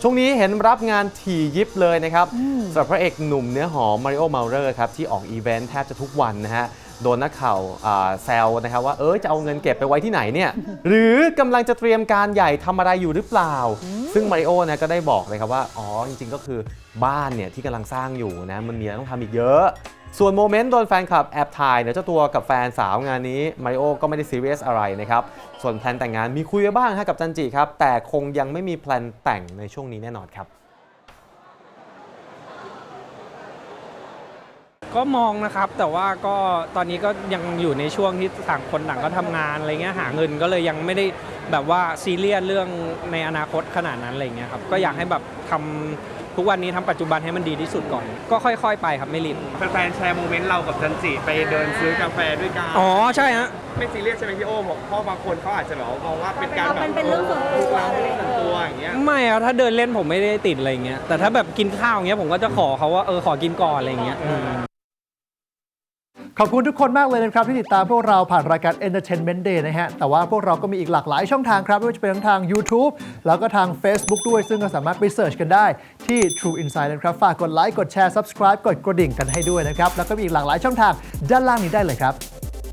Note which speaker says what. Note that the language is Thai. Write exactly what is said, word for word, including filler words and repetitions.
Speaker 1: ช่วงนี้เห็นรับงานถี่ยิบเลยนะครับสำหรับพระเอกหนุ่มเนื้อหอมมาริโอ เมาเลอร์ครับที่ออกอีเวนต์แทบจะทุกวันนะฮะโดนนักข่าวแซวนะครับว่าเออจะเอาเงินเก็บไปไว้ที่ไหนเนี่ยหรือกำลังจะเตรียมการใหญ่ทำอะไรอยู่หรือเปล่าซึ่งมาริโอนะก็ได้บอกเลยครับว่าอ๋อจริงๆก็คือบ้านเนี่ยที่กำลังสร้างอยู่นะมันมีอะไรต้องทำอีกเยอะส่วนโมเมนต์โดนแฟนคลับแอบถ่ายเนี่ยเจ้าตัวกับแฟนสาวงานนี้มาริโอก็ไม่ได้ซีเรียสอะไรนะครับส่วนแพลนแต่งงานมีคุยไว้บ้างฮะกับจันจิครับแต่คงยังไม่มีแพลนแต่งในช่วงนี้แน่นอนครับ
Speaker 2: ก็มองนะครับแต่ว่าก็ตอนนี้ก็ยังอยู่ในช่วงที่ต่างคนต่างก็ทำงานอะไรเงี้ยหาเงินก็เลยยังไม่ได้แบบว่าซีเรียสเรื่องในอนาคตขนาดนั้นอะไรเงี้ยครับก็อยากให้แบบทำทุกวันนี้ทำปัจจุบันให้มันดีที่สุดก่อนก็ค่อยๆไปครับไม่รีบ
Speaker 3: แฟนๆแชร์โมเมนต์เรากับจันจิไปเดินซื้อกาแฟด้วยกัน
Speaker 2: อ๋อใช่ฮะ
Speaker 3: ไม่ซีเรียสใช่ไหมพี่โอ้บอกเพราะบางคนเขาอาจจะแบบมองว่าเป็นการแบบเป็นเรื่องส่วนตัวเรื่องส่วนตัวอย่างเงี้ย
Speaker 2: ไม่อะถ้าเดินเล่นผมไม่ได้ติดอะไรเงี้ยแต่ถ้าแบบกินข้าวอย่างเงี้ยผมก็จะขอเขาว่าเออขอกินก่อนอะไรเงี้ย
Speaker 4: ขอบคุณทุกคนมากเลยนะครับที่ติดตามพวกเราผ่านรายการ Entertainment Day นะฮะแต่ว่าพวกเราก็มีอีกหลากหลายช่องทางครับไม่ว่าจะเป็นทั้งทาง YouTube แล้วก็ทาง Facebook ด้วยซึ่งก็สามารถไปเสิร์ชกันได้ที่ True Insight นะครับฝากกดไลค์กดแชร์ Subscribe กดกระดิ่งกันให้ด้วยนะครับแล้วก็มีอีกหลากหลายช่องทางด้านล่างนี้ได้เลยครับ